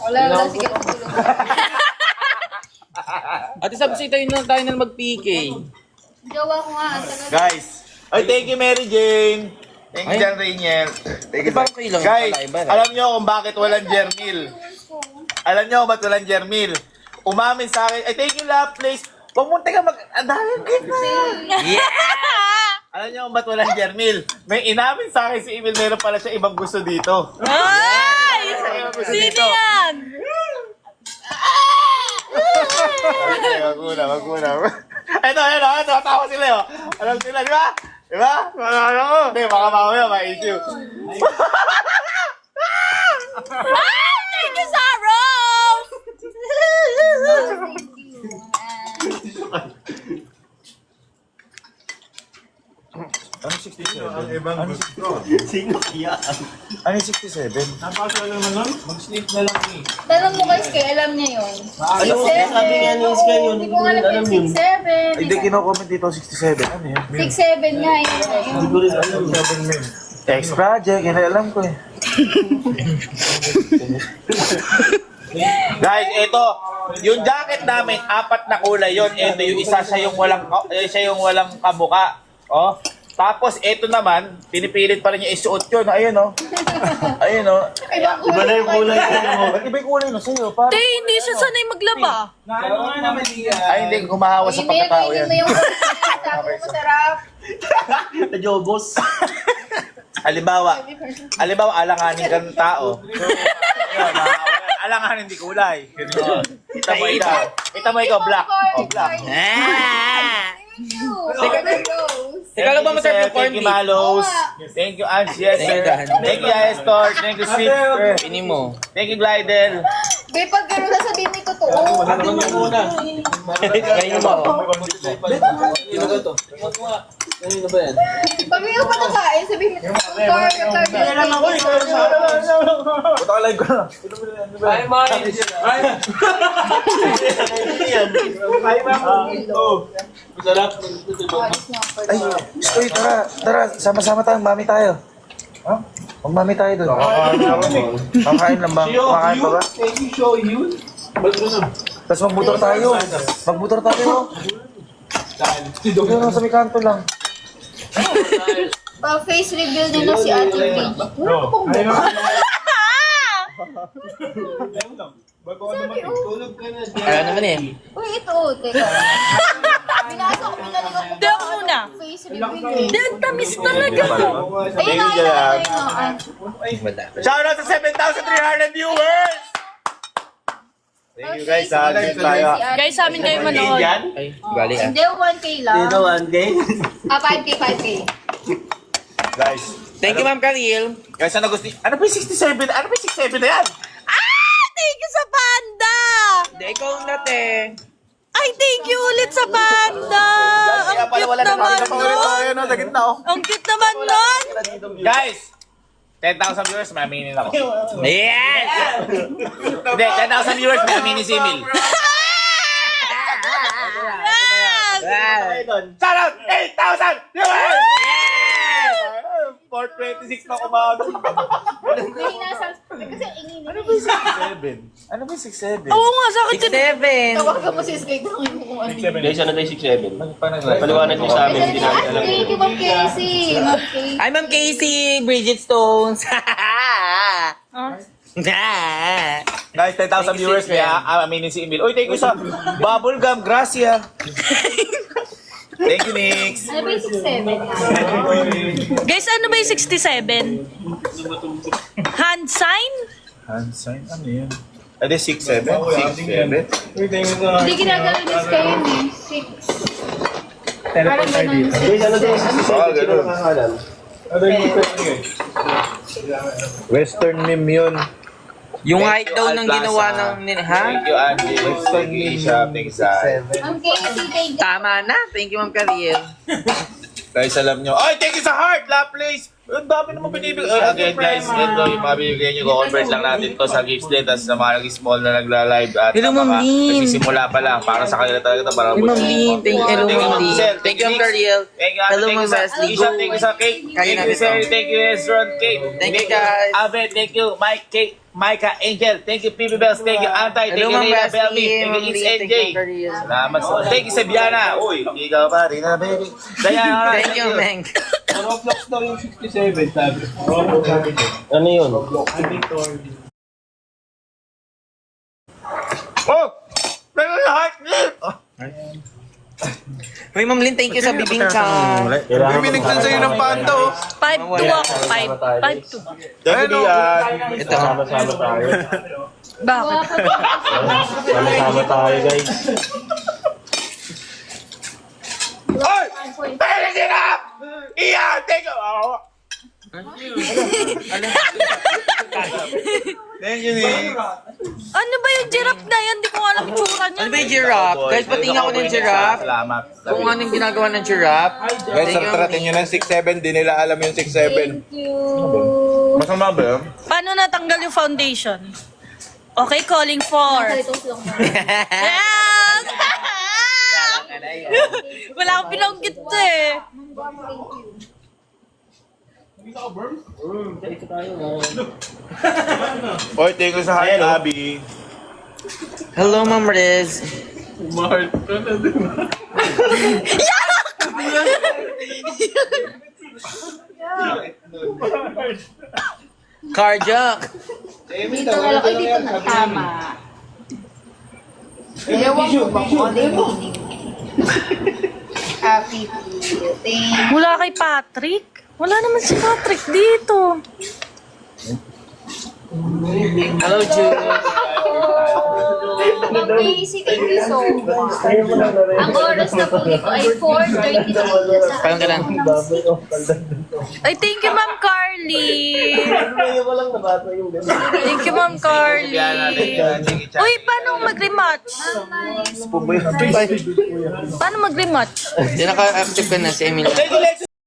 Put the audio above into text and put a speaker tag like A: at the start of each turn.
A: Wala, sige.
B: Ate Sabsi, tayo na mag-PK.
A: Jowa ko nga.
C: Guys. Ay, thank you, Mary Jane. Thank you, John Rainiel. Thank you,
B: Ate, parang
C: guys.
B: pala, iba na.
C: Alam nyo kung bakit walang Jermil. Alam nyo kung bakit walang Jermil. Umamin sa akin. Ay, thank you, Love Place. Huwag mo teka ang dahil gitna.
B: Yeah!
C: Alam niyo kung ba't walang Jermil? May inamin sa akin si Emil, meron pala siya ibang gusto dito.
D: Ay! Sino yan?
C: Wag muna. Ito, tawa sila yun. Alam sila, di ba? Di ba? Hindi, baka mamaya, ma-issue.
D: Ay! Thank you, Sarah!
C: Ano 67?
E: Ang ibang gusto.
C: Ano 67?
E: Napasok na naman nun? Mag-sleep na lang eh.
A: Tanong mo kay Sky, alam niya yun.
F: Ayun, sabi nga ni Sky yun.
A: Hindi ko alam yung 6'7".
C: Hindi, kino-comment dito 67. Ano yun?
A: 6'7 nga yun.
F: Hindi ko rin alam.
C: X Project, yun alam ko eh. Guys, ito, yung jacket namin, 4 na kulay yon. Ito yung isa, siya yung walang kamuka. Oh. Tapos ito naman, pinipilit pa rin niya isuot yun. Ayun oh. Ayun oh.
F: Iba na yung kulay mo.
C: Ba't iba yung kulay no sa'yo? Parang,
D: Tay, hindi siya sanay maglaba.
E: Ano nga naman yan?
C: ay, hindi, humahawa sa pagkatao yan.
A: Hindi mo yung sabi mo masarap.
F: Najobos.
C: Halimbawa, alanganin ka ng tao. So, yun, alanganin di kulay. Ganun. Kita mo ikaw, black. Oh, black.
B: Teka lang ba masarap yung corn
C: Thank you,
B: beef?
C: Malos. Thank you, Ange. Yes, sir. Thank you, Estor. Thank you, Sweet.
B: Pini mo.
C: Thank you, Glidel.
A: Babe, pag gano'n sasabihin mo totoo.
B: Ganyan mo.
A: Pag ikaw pa nakain, sabihin mo totoo.
F: Kaya lang ako eh.
C: Puta ka live ko na.
E: Ay, Mike! Ay! Ay, Mike! Oh! Masarap.
C: Ay, Stoy, tara. Sama-sama tayo. Mami tayo. Ha? Magmami tayo doon. Kakain lang ba? Kakain pa ba?
E: Thank you, show you. Ba't mo na?
C: Tapos magbutor tayo. Magbutor tayo. Doon lang sa may kanto lang.
A: Pa-face reveal nila si Ate Paige. Wala pong
E: Ay,
A: buka.
E: Bago ka naman tulog ka na.
B: Kaya naman eh.
A: Uy, ito. Teka. Binasok, binalik ako.
D: Hindi ako muna.
A: Face reveal.
D: Hindi, ang tamis talaga.
A: Ayun na, ayun.
B: Wala.
C: Shout out sa 7,300 viewers! Thank you guys ha. Thank tayo.
D: Guys, sa amin kayo manood.
B: Ay, gali ah.
A: Hindi, 1K lang.
F: Dito, 1K.
A: 5K.
C: Guys.
B: Thank you, Ma'am Karil.
C: Guys, ano gusto? Ano ba yung 67? Ano ba yung 67 na yan?
D: Ah! Thank you sa panda!
B: Hindi, ikaw na te.
D: Ay, thank you ulit sa panda! Ang cute naman nun!
C: Sa gitna oh.
D: Ang cute naman nun!
C: Guys! 10,000 viewers, may aminin ako.
B: Yes!
C: Hindi, 10,000 viewers, may aminin si Emil.
D: Yes!
C: Shout out! 8,000 viewers! Yes! 426 na kumago.
A: May nasa... Kasi ingin.
C: Ano ba yung 67? Ano ba yung 67?
D: Oo nga, sa akin din.
B: 6'7".
A: Tawagan mo si Sky kung kung ano yun.
F: Guys, ano tayo 6'7"? Paliwanag niyo sa amin, hindi namin alam.
A: Thank you, Ma'am Casey. Ma'am Casey.
B: Ay, Ma'am Casey, Bridget Stones.
C: Guys, 10,000 viewers, may aminin si Emil. Uy, thank you sa Bubblegum, gracia. Thank you, Nix.
A: Ano ba yung 6'7"?
D: Guys, ano ba yung 67? Hand sign?
C: Hand sign, ano yun? Ano 6'7"? 6'7"?
A: Hindi ginagano ni Sky yun eh. 6. Parang ganun.
F: Guys, ano tayo 67? Sino nakakalam?
C: Western meme yun.
B: Yung height daw ng ginawa ng... Ha?
C: Thank you, Andy. Western meme. Thank you, Zay.
A: Ma'am Casey, thank you.
B: Tama na. Thank you, Ma'am Karil.
C: Guys, alam nyo. Ay, thank you sa heart! Love place! Ang dami naman binibigay. Again guys, ito yung mga bibigay nyo. Convert lang natin to sa gifts din. Tapos sa mga nag-small na nagla-live at
B: Hello,
C: sa mga
B: Ma'am Lynn.
C: nagsisimula pa lang. Para sa kanila talaga ito. Para
B: Hey, Ma'am Lynn. Thank you, hello, Ma'am Lynn.
C: Giselle.
B: Thank you, Ma'am Ariel.
C: Thank you,
B: Hello,
C: thank
B: Ma'am
C: you sa
B: Wesley.
C: Isha, thank you sa Kate.
B: Kaya
C: Thank you,
B: natin
C: Sir.
B: to.
C: Thank you, Ezron, Kate.
B: Thank you, guys.
C: Ave, thank you, Mike, Kate, Micah, Angel. Thank you, PB Bells. Thank you, Antay. Thank
B: Hello,
C: you,
B: Ma'am
C: Leila,
B: Wesley.
C: Belmy. Thank
B: Ma'am
C: you, It's
B: Lynn.
C: NJ.
B: Thank you, Ma'am Ariel.
C: Salamat sa... Thank you, Sabiana. Uy, ikaw pa rin na, baby. Diana,
B: Thank you, Meng.
E: Roblox daw yung 67, sabi.
F: Ano yun?
C: Oh! Meron na heart clip!
B: Uy, Ma'am Lynn, thank you sa bibingka.
F: Kailangan
E: Binigtan sa'yo ng panda, oh.
D: 5-2 ako. 5-2.
C: Thank you, Dian.
B: Ito.
F: Sama-sama tayo.
D: Bakit?
F: Sama-sama tayo, guys.
C: Oy! Pwede sila! Iyan! Thank you! Oh. Thank you, Nick.
D: Ano ba yung giraffe na yan? Hindi ko alam yung tsura niya.
B: Ano ba yung giraffe? Guys, patingin ako ng giraffe.
C: Salamat.
B: Kung anong ginagawa ng giraffe.
G: Guys, sartratin nyo ng 6'7", di nila alam yung 6'7".
A: Thank you.
C: Masama ba yun?
D: Paano natanggal yung foundation? Okay, calling for.
A: Ito lang.
D: Yes! Wala akong pinanggit eh.
C: Oy, thank you sa heart, Abby.
B: Hello, Ma'am Riz.
E: Mahal ka na din.
B: Carjack.
A: Dito na lang. Ay, dito na. Tama. Ewan ko ba kung ano yung meaning? Happy Peel. Thank you.
D: Mula kay Patrick? Wala naman si Patrick dito.
B: Hello, Jude.
A: Ma'am Casey, thank you so much. Ang oras na po dito ay 4:33.
B: Parang ka lang.
D: Ay, thank you, Ma'am Carly. Thank you, Ma'am Carly. Uy, paano mag-rematch? Paano mag-rematch?
B: Hindi naka-active ka na si Emily.
C: Thank you, Lex.